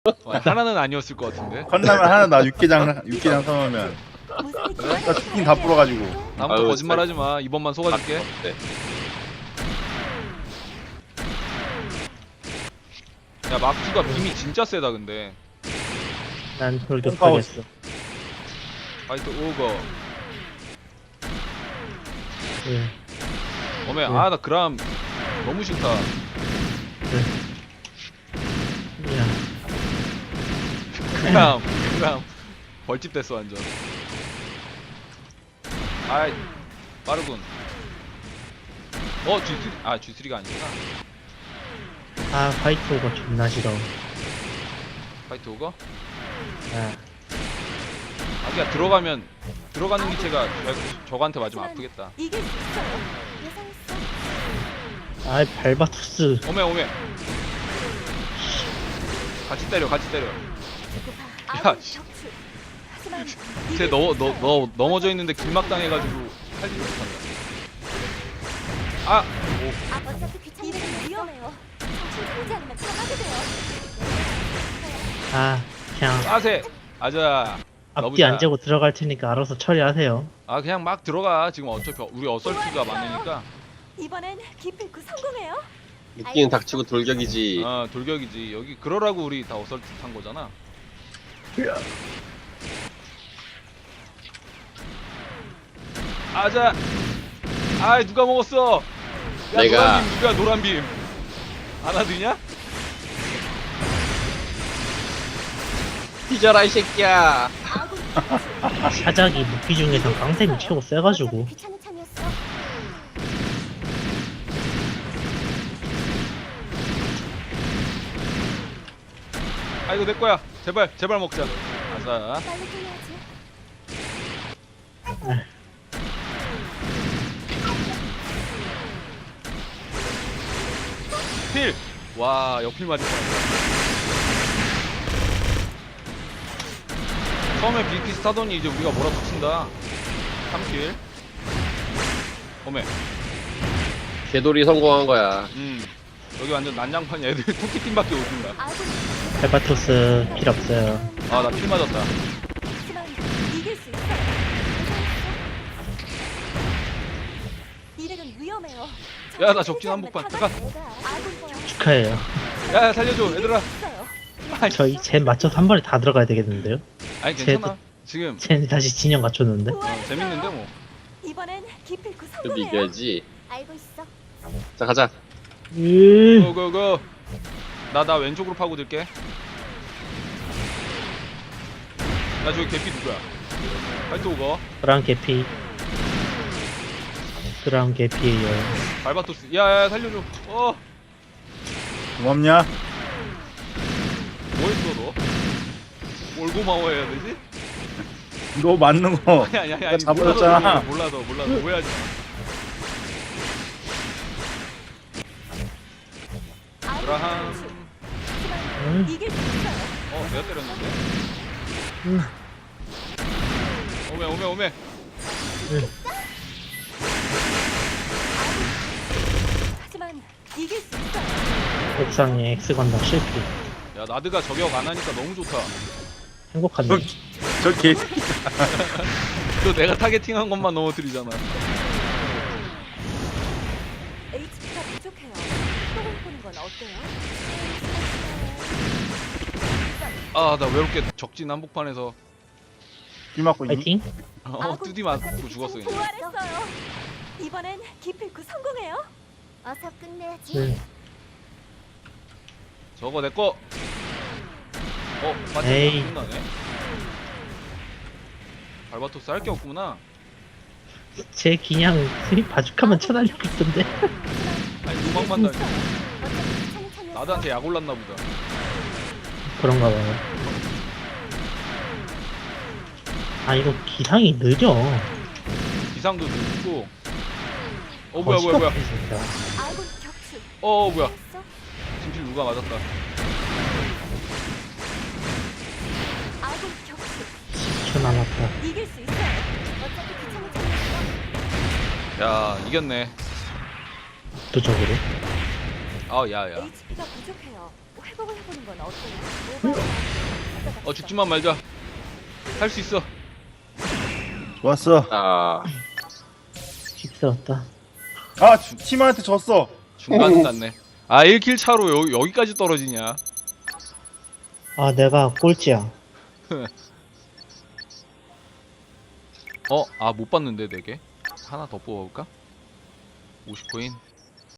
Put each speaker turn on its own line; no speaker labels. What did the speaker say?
하나는 아니었을 것 같은데.
컵라면 하나 나 육개장 사놓으면 나 치킨 다 불어가지고.
다음부터
아유,
거짓말하지 마. 이번만 속아줄게.
네.
야 마크가 빔이 진짜 세다 근데.
난 돌격하겠어.
파이트 오거.
예.
어메 나 그람 너무 싫다.
야,
그람 벌집 됐어 완전. 아이 빠르군. G3 G3가 아니구나.
화이트 오가 존나 싫어.
파이트 오거?
아,
아기야 들어가는 기체가 저거한테 맞으면 아프겠다.
이길 수 있어요. 예상했어.
발바투스.
오메 같이 때려 야, 씨. 쟤 넘어져 있는데 길막 당해가지고 살지 못한다.
어차피 귀찮으면 위험해요. 정신 차리지 않으면 당하게 돼요.
그냥
싸세 아자.
앞뒤 안 재고 들어갈 테니까 알아서 처리하세요.
그냥 막 들어가. 지금 어차피 우리 어설트가 많으니까.
이번엔 기필코 성공해요.
웃기는 닥치고 돌격이지.
돌격이지. 여기 그러라고 우리 다 어설트 탄 거잖아. 아자. 누가 먹었어? 야,
내가.
노란빔 하나 드냐?
뒤져라 이 새끼야.
사작이 무기 중에서 강템이 최고 세가지고.
귀찮은 참이었어.
이거 내 거야. 제발 먹자. 아자.
빨리 끝내야지.
필. 와, 옆필 맞을 뻔했다. 처음에 비키스 타더니 이제 우리가 몰아붙인다. 3킬. 어메.
개돌이 성공한 거야.
여기 완전 난장판이야. 애들 토끼팀밖에 오신다.
발바투스 필 없어요.
나 필 맞았다.
하지만 이길 수 있어요. 이래는 위험해요.
야, 나 적진 한복판. 잠깐.
축하해요.
야, 살려줘, 얘들아.
저희 젠 맞춰서 한 번에 다 들어가야 되겠는데요?
아니 괜찮아. 지금
젠 다시 진영 갖췄는데?
재밌는데 뭐.
이번엔 기필코
좀
성공해요.
이겨야지.
알고 있어.
자 가자.
고고고. 나 왼쪽으로 파고들게. 나 저기 개피 누구야? 파이트 오거.
브라운 개피. 브라운 개피에요.
발바토스. 야, 살려줘.
고맙냐?
뭐 했어 너? 뭘 고마워해야 되지?
너 맞는 거.
아니.
내가 잡아줬잖아.
몰라도 오해하지 마. 브라함.
이길 수 있어요.
내가 때렸는데. 오메.
하지만 이길 수 있어요.
옥상에 X 건담 실패.
야, 나드가 저격 안 하니까 너무 좋다.
행복하네.
저 개.
또 내가 타겟팅한 것만 넘어뜨리잖아.
HP가 부족해요. 또 보는 건 어때요?
나 외롭게 적진 한복판에서
비 맞고 있니?
파이팅.
뚜디 맞고 죽었어 그냥.
부활했어요. 이번엔 기필코 성공해요. 어서 끝내야지.
네.
저거 내꺼.
에이.
맞다. 끝나네. 발바토스 할 게 없구나.
제 그냥 바주카만 쳐달리고 있던데.
아니 도망만 다니. 나드한테 약 올랐나 보다.
그런가 봐요. 이거 기상이 느려.
기상도 늦고. 뭐야.
아군 격추.
뭐야.
했어?
진필 누가 맞았다.
아군 격추.
10초 남았다.
이길 수 있어요. 어차피 귀찮은 참이었어.
야, 이겼네.
압도적으로.
야야.
HP가 부족해요. 회복을 해보는 건 어때요?
죽지만 말자. 할 수 있어.
좋았어.
아,
힘들었다.
아 팀한테 졌어.
중간은 갔네. 1킬 차로 여기까지 떨어지냐.
아, 내가 꼴찌야.
못 봤는데 4개. 하나 더 뽑아볼까? 50코인.